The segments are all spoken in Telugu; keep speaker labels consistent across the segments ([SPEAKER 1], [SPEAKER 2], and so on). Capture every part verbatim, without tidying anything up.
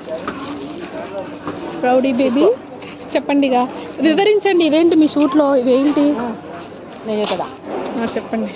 [SPEAKER 1] రౌడీ బేబీ చెప్పండి, ఇక వివరించండి. ఇదేంటి మీ షూట్లో ఇవేంటి?
[SPEAKER 2] నేను కదా
[SPEAKER 1] చెప్పండి.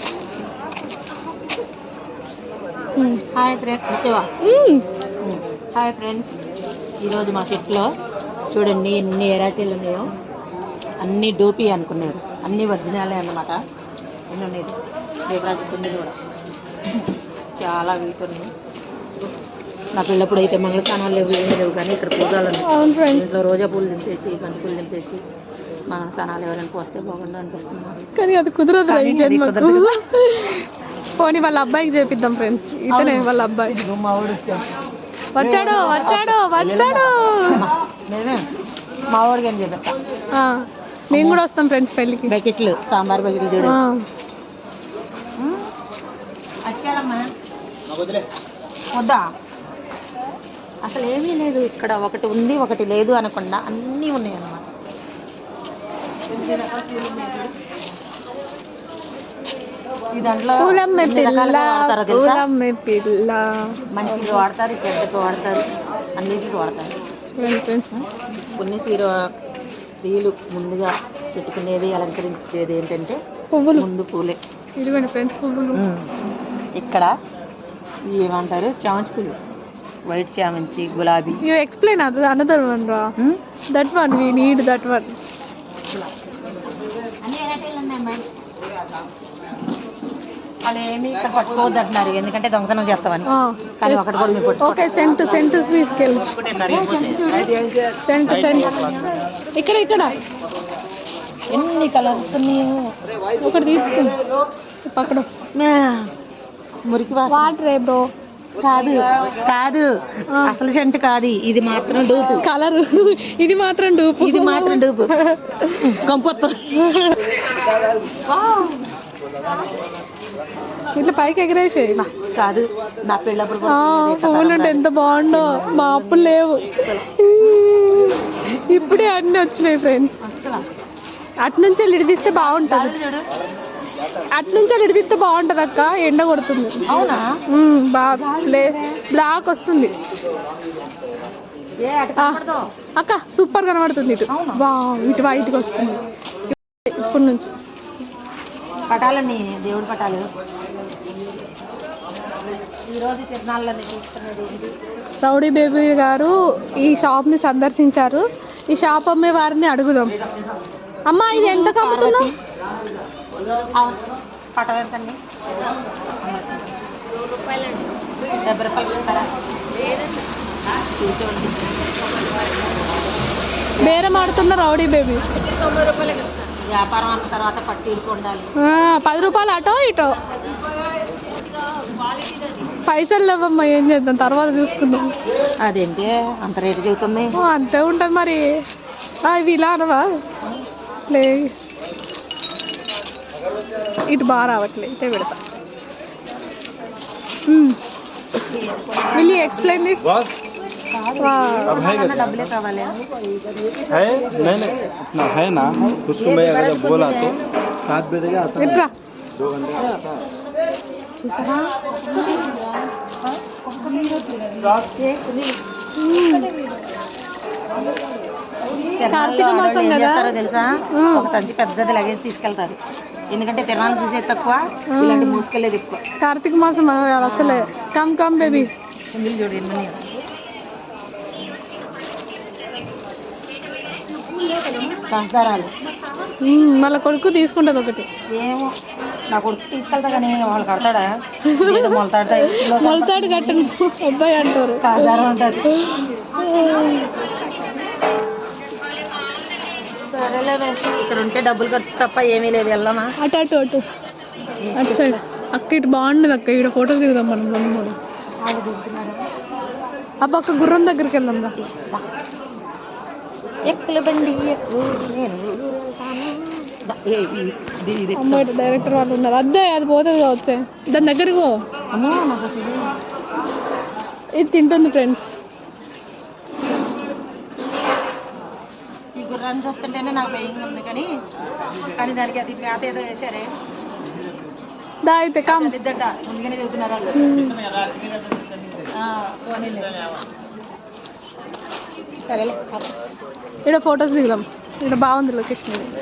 [SPEAKER 2] Hi friends, hi friends. ఈరోజు మా సెట్లో చూడండి ఎన్ని వెరైటీలు ఉన్నాయో. అన్నీ డోపీ అనుకున్నారు, అన్నీ ఒరిజినలే అన్నమాట. ఎన్ని ఉన్నాయి దేవరాజు కొన్ని కూడా చాలా వీటి ఉన్నాయి. నా పిల్లప్పుడు అయితే మంగళ స్నానాలు లేవు, ఏమీ లేవు, కానీ ఇక్కడ పూజలు ఉన్నాయి. ఇంట్లో రోజా పూలు దింపేసి బంతి పూలు దింపేసి మంగళ స్నానాలు ఎవరైనా పోస్తే బాగుండు అనిపిస్తున్నారు.
[SPEAKER 1] కానీ అది కుదరదు. పోనీ వాళ్ళ అబ్బాయికి చేపిద్దాం ఫ్రెండ్స్. ఇతనే వాళ్ళ అబ్బాయి. వచ్చాడు వచ్చాడు వచ్చాడు
[SPEAKER 2] మా వాడికి ఏం చేపిస్తా.
[SPEAKER 1] మేము కూడా వస్తాం ఫ్రెండ్స్ పెళ్ళికి.
[SPEAKER 2] బకెట్లు సాంబార్ బకెట్లు చూడు. వద్దా అసలు ఏమీ లేదు ఇక్కడ. ఒకటి ఉంది ఒకటి లేదు అనకుండా అన్నీ ఉన్నాయి అన్నమాట. ఈ దాంట్లో మంచిగా వాడతారు, చెడ్డకు వాడతారు, అన్నిటికి వాడతారు. కొన్ని సీర స్త్రీలు ముందుగా పెట్టుకునేది అలంకరించేది ఏంటంటే పువ్వులు. ముందు పూలే.
[SPEAKER 1] ఇదిగోండి ఫ్రెండ్స్ పువ్వులు.
[SPEAKER 2] ఇక్కడ ఏమంటారు చామంతి పూలు, వైట్ చామంతి, గులాబీ.
[SPEAKER 1] యూ ఎక్స్ప్లెయిన్ అది అనదర్ వన్ రా. That one we need that one.
[SPEAKER 2] అన్ని వెరైటీలు ఉన్నాయి. వాళ్ళు ఏమి ఇక్కడ పట్టుకోవద్దు అంటున్నారు, ఎందుకంటే దొంగతనం చేస్తామని. కానీ ఒకటి కూడా మీరు పట్టుకో.
[SPEAKER 1] ఓకే సెంట్ సెంట్ తీసుకెళ్ళి సెంట్ సెంట్ ఇక్కడ ఇక్కడ
[SPEAKER 2] ఎన్ని కలర్స్ ఉన్నాయో.
[SPEAKER 1] ఒకటి తీసుకుని పక్కన
[SPEAKER 2] మురికి
[SPEAKER 1] వాటర్ ఏ బ్రో.
[SPEAKER 2] కాదు కాదు అసలు సెంట్ కాదు, ఇది మాత్రం డూపు.
[SPEAKER 1] కలర్ ఇది మాత్రం డూపు,
[SPEAKER 2] ఇది మాత్రం డూపు. కంపొత్తు
[SPEAKER 1] ఇట్లా పైకి ఎగరేసే.
[SPEAKER 2] కాదు నా పెళ్ళప్పుడు
[SPEAKER 1] పువ్వులు ఉంటే ఎంత బాగుండో. మా అప్పులు లేవు, ఇప్పుడే అన్నీ వచ్చినాయి ఫ్రెండ్స్. అట్నుంచి వెళ్ళి ఇడిదిస్తే బాగుంటుంది. అట్నుంచి వెళ్ళి ఇడిదిస్తే బాగుంటుంది అక్క. ఎండ కొడుతుంది.
[SPEAKER 2] అవునా?
[SPEAKER 1] బాగా బ్లాక్ వస్తుంది అక్క. సూపర్ కనబడుతుంది ఇటు. బా ఇటు వైట్కి వస్తుంది ఇప్పటి నుంచి.
[SPEAKER 2] పటాలన్నీ దేవుడి పటాలు. ఈరోజు తిరునాళ్ళని చూస్తున్నది
[SPEAKER 1] రౌడీ బేబీ గారు ఈ షాప్ని సందర్శించారు. ఈ షాప్ అమ్మే వారిని అడుగుదాం. అమ్మా ఇది ఎంత కమ్ముతున్నావు?
[SPEAKER 2] పటం ఎంతండి? డెబ్బై రూపాయలు ఇస్తారా?
[SPEAKER 1] బేరం ఆడుతున్న రౌడీ బేబీ.
[SPEAKER 2] తొంభై రూపాయలకి వ్యాపారం అన్న తర్వాత పట్టీలకు ఉండాలి.
[SPEAKER 1] పది రూపాయలు అటో ఇటో. పైసలు లేవమ్మా, ఏం చేద్దాం తర్వాత చూసుకుందాం.
[SPEAKER 2] అదేంటి అంత రేటు చెబుతుంది?
[SPEAKER 1] అంతే ఉంటుంది మరి. ఇవి ఇలా అనవా? లే ఇటు బాగా రావట్లే, ఇటే పెడతా. Will you explain this?
[SPEAKER 2] డబ్బులే కావాలి.
[SPEAKER 3] है नहीं नहीं इतना है ना, उसको मैं अगर बोला तो सात बजे आता है, दो घंटे आता
[SPEAKER 1] కార్తీక మాసం కదా
[SPEAKER 2] తెలుసా? ఒక సంచి పెద్దది లగేజ్ తీసుకెళ్తారు, ఎందుకంటే తిరణాలు చూసేది తక్కువ, ఇలాంటి మోసుకెళ్ళేది ఎక్కువ.
[SPEAKER 1] కార్తీక మాసం అసలే. Come come baby.
[SPEAKER 2] చూడు ఎన్ని కాస్తారాలు.
[SPEAKER 1] మళ్ళీ కొడుకు తీసుకుంటుంది ఒకటి.
[SPEAKER 2] ఏమో నా కొడుకు తీసుకెళ్తా కానీ వాళ్ళు కడతాడా? మొలతాడు
[SPEAKER 1] మొలతాడు కట్టను అబ్బాయి అంటారు.
[SPEAKER 2] కాస్తారం అంటారు. సరేలే, ఇక్కడ ఉంటే డబ్బులు ఖర్చు తప్ప ఏమీ లేదు. వెళ్దామా?
[SPEAKER 1] అటు అటు అటు అటు సైడ్ అక్క. ఇటు బాగుండదు అక్క, ఇక్కడ ఫోటోలు దిగుదాం మనం రెండు మూడు. ఆ పక్క గుర్రం దగ్గరికి వెళ్దాం.
[SPEAKER 2] ఎక్కల బండి
[SPEAKER 1] అమ్మాయి డైరెక్టర్ వాళ్ళు ఉన్నారు. అద్దే అది పోతుంది కావచ్చే, దాని దగ్గరకు. ఇది తింటుంది ఫ్రెండ్స్.
[SPEAKER 2] ఈ గుర్రాన్ని చూస్తుంటేనే నాకు భయంగా ఉంది, కానీ కానీ దానికి అది మేత ఏదో వేసారే.
[SPEAKER 1] దా అయితే కామ్
[SPEAKER 2] ఇద్దంట, ముందుగానే చెబుతున్నారు వాళ్ళు. సరేలే
[SPEAKER 1] ఇక్కడ ఫొటోస్ దిగుదాం. ఇక్కడ బాగుంది లొకేషన్ ఇది.